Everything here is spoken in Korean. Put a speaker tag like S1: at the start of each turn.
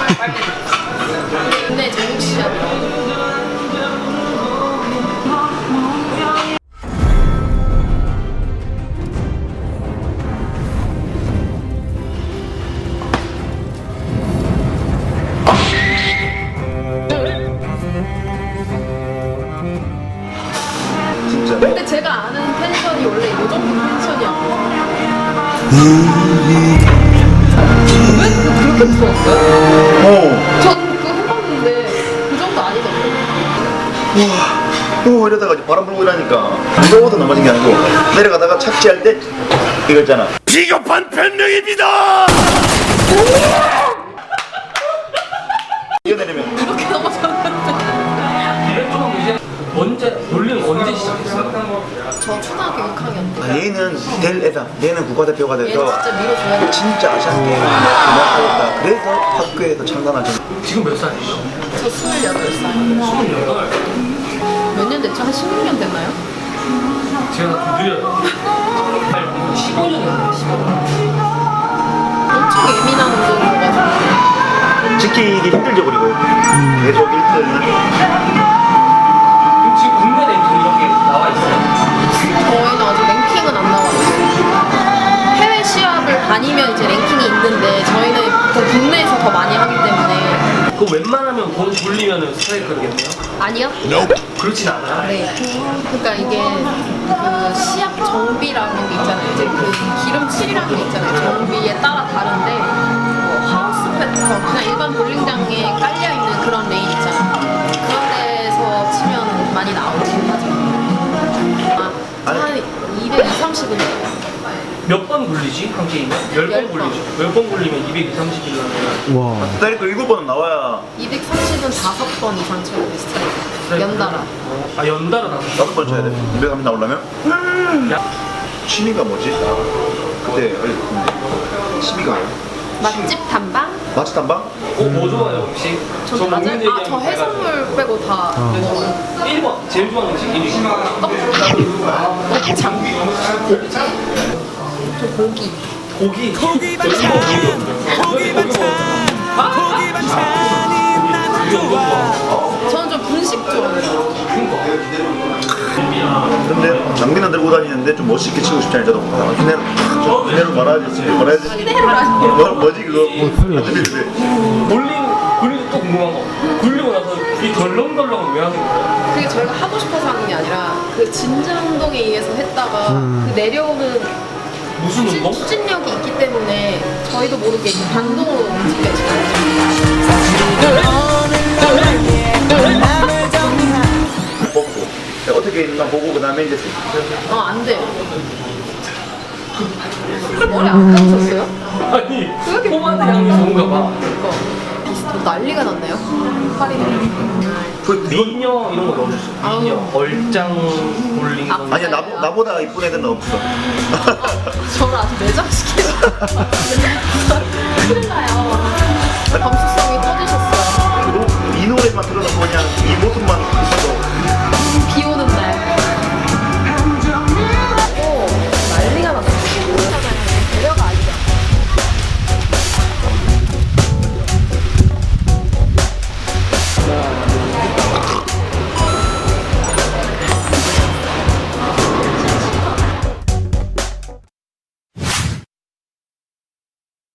S1: 근데 정국 씨야.
S2: 진짜.
S1: 근데 제가 아는 펜션이 원래 이 정도 펜션이야. 왜 그렇게 부었어요? 전 그거 해봤는데 그 정도 아니던데.
S2: 우와, 이러다가 이제 바람 불고 이러니까 무서워서 넘어진 게 아니고 내려가다가 착지할 때 이거 있잖아. 비겁한 변명입니다. 이겨내려면
S1: 이렇게 넘어졌는데.
S3: 언제 시작했어요?
S1: 저 초등학교 6학년 때.
S2: 얘는 될 애다. 얘는 국가대표가
S1: 얘는
S2: 돼서
S1: 진짜 밀어줘야 돼.
S2: 진짜 아시안 게임 그만하겠다. 그래서 학교에서 창단한 전.
S3: 지금 몇 살이에요?
S1: 저 28살.
S3: 28.
S1: 몇 년 됐죠? 한 16년 됐나요?
S3: 제가 좀 느려요. 15년이요. 15년.
S1: 엄청 예민한 운동이어가지고.
S2: 지키기 힘들죠. 그리고 계속 1등.
S3: 지금 국내 랭킹 이렇게 나와 있어요?
S1: 저희는 아직 랭킹은 안 나와요. 해외 시합을 다니면 이제 랭킹이 있는데 저희는 보통 국내에서 더 많이 하기 때문에.
S3: 그거 웬만하면 공 돌리면 스트라이크겠네요?
S1: 아니요?
S3: 그렇진 않아요?
S1: 네. 그러니까 이게 그 시합 정비라는 게 있잖아요. 이제 그 기름칠이라는 게 있잖아요. 정비에 따라 다른데 뭐 하우스 패턴, 그냥 일반 볼링장에 깔려 있는 그런 레인 있잖아요. 그런 데서 치면 많이 나오긴 하죠. 한 220, 30은 돼요.
S3: 몇 번 굴리지? 한 게임에? 10번
S1: 10번.
S3: 굴리죠. 10번 굴리면 230이라면
S2: 스트라이크 7번은 나와야
S1: 230은 5번 이상 쳐야 돼, 스트라이크. 연달아.
S3: 아 연달아 나왔어?
S2: 5번 쳐야 돼. 230 나오려면?
S3: 야,
S2: 취미가 뭐지? 그때 어렸을 때 취미가 뭐야?
S1: 맛집 탐방?
S2: 마치 탐방?
S3: 뭐 좋아해요 혹시?
S1: 저 맞아요. 아, 저 해산물 빼고 다 먹어요.
S3: 1번 제일 좋아하는 음식 1위
S1: 곱창. 저 고기.
S3: 고기
S4: 고기 반찬 고기 반찬이 나는 좋아
S1: 저는 좀 분식 좋아해요.
S2: 근데 장비는 들고 다니는데 좀 멋있게 치고 싶지 않아요. 저도 휘내로 말아야지. 뭐지 그거?
S3: 굴리고 또 궁금한 거 굴리고 나서 이 덜렁덜렁은 왜 하는 거예요?
S1: 그게 저희가 하고 싶어서 하는 게 아니라 그 진정 운동에 의해서 했다가 그 내려오는
S3: 무슨 운동?
S1: 추진력이 있기 때문에 저희도 모르게 반동으로 움직여져요.
S2: 뽑고 어떻게 있나 보고 그 다음에 이제
S1: 안 돼요. 머리 안 감으셨어요?
S3: 아니
S1: 그렇게
S3: 포마드 향이 좋은가 봐
S1: 난리가 났네요. 파리는.
S3: 미녀 이런 거 넣어줬어 미녀 얼짱 볼링 이런 거.
S2: 아니야 나보다 이쁜 애들은 없어.
S1: 저를 아주 매장시키는 큰일 나요. 점수